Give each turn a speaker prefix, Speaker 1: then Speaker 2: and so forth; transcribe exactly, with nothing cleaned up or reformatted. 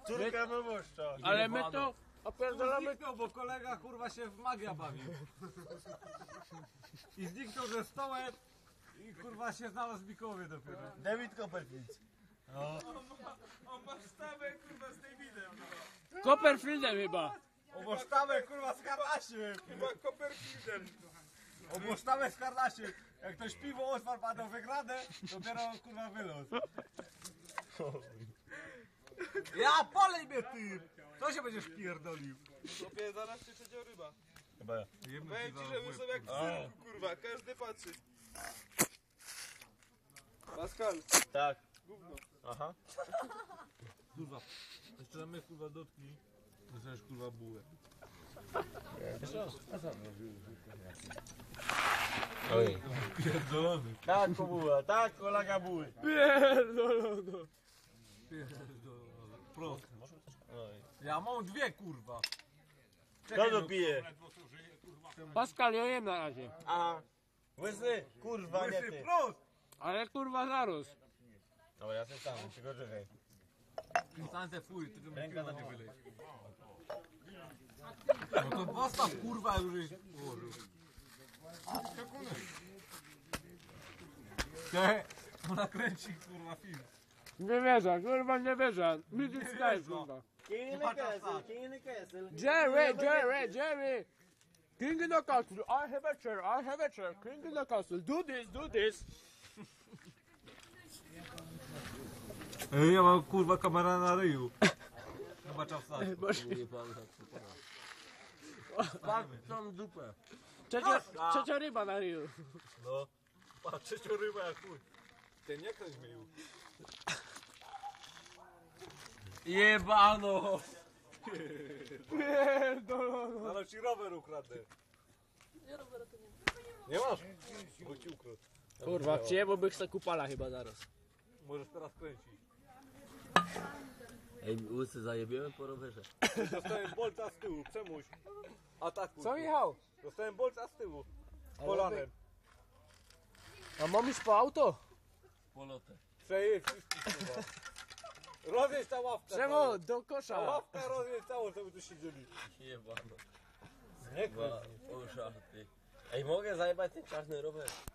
Speaker 1: Córka proboszcza.
Speaker 2: Ale my to opierdolamy...
Speaker 3: Zniknął, bo kolega kurwa się w magia bawił. I zniknął ze stołem i kurwa się znalazł w Mikołowie dopiero.
Speaker 1: David Copperfield.
Speaker 4: On ma sztabę kurwa z Davidem.
Speaker 2: Copperfieldem chyba.
Speaker 3: Obosztawę kurwa z Karnasiem.
Speaker 4: Chyba Copperfieldem.
Speaker 3: Obosztawę z Karnasiem. Jak ktoś piwo otwarł, padł wygrane, dopiero kurwa wylot. Ja polej mnie ty! Co się będziesz pierdolił?
Speaker 4: Chłopie, zaraz się trzecia ryba.
Speaker 1: Chyba ja.
Speaker 4: Powiem ci, że my są jak w cyrku, kurwa, każdy patrzy. Pascal,
Speaker 1: Tak.
Speaker 4: gówno.
Speaker 1: Aha.
Speaker 3: Kurwa, jeszcze mnie kurwa dotknij. Dostaniesz kurwa bułę.
Speaker 1: Oj.
Speaker 3: Pierdolony.
Speaker 1: Tak, kobuła, tak, kolega buły.
Speaker 2: Pierdolono.
Speaker 3: Pierdolony. Prost.
Speaker 1: Oj.
Speaker 3: Ja mam dwie kurwa.
Speaker 1: Kto to pije?
Speaker 2: Pascal, ja jem na razie.
Speaker 1: A. Łysy, kurwa, nie
Speaker 3: Łysy
Speaker 1: ty.
Speaker 3: prost!
Speaker 2: Ale kurwa zaraz.
Speaker 1: Dobra, ja sobie sam, tylko czekaj.
Speaker 3: Instancję fuj, tylko mi
Speaker 1: Ręka
Speaker 3: piwa
Speaker 1: na
Speaker 3: nie
Speaker 1: dół.
Speaker 3: wylej. No to postaw kurwa już żeś ułożył. Te, ona kręci kurwa film.
Speaker 2: Nie wierzę, kurwa nie wierzę. Music Sky, kurwa.
Speaker 1: King in the castle, king in the castle.
Speaker 2: Jerry, Jerry, Jerry. King in the castle, I have a chair, I have a chair. King in the castle, do this, do this.
Speaker 3: Ej, ja mam kurwa kamera na ryju. Chyba czas stać.
Speaker 1: Patrz tą dupę.
Speaker 2: Trzecia, trzecia ryba na ryju.
Speaker 3: No. Patrz, trzecią rybę jak chuj. Ten nie kręć mnie już.
Speaker 1: Jebano.
Speaker 2: Pierdolono.
Speaker 3: Ale ci rower ukradnę. Nie, roweru to nie. Nie masz? Bo ci ukradł.
Speaker 2: Kurwa, przyjebałbym se kupala chyba zaraz.
Speaker 3: Możesz teraz kręcić.
Speaker 5: Ej, łysy zajebiemy po rowerze.
Speaker 3: Dostałem bolca z tyłu, przemuś. Atakuj.
Speaker 2: Co Michał?
Speaker 3: Dostałem bolca z tyłu. Kolanem.
Speaker 2: A mam iść po auto?
Speaker 5: Polotę.
Speaker 3: Przejedź wszystkich kurwa. Rozjedź ta ławka.
Speaker 2: Czemu? Do
Speaker 3: Ta
Speaker 2: kosza.
Speaker 3: ławka rozjedź całą, żeby tu siedzieli.
Speaker 5: Jebano.
Speaker 3: Nie
Speaker 5: Dwa,
Speaker 3: kręć.
Speaker 5: o szachty. Ej, mogę zajebać ten czarny rower?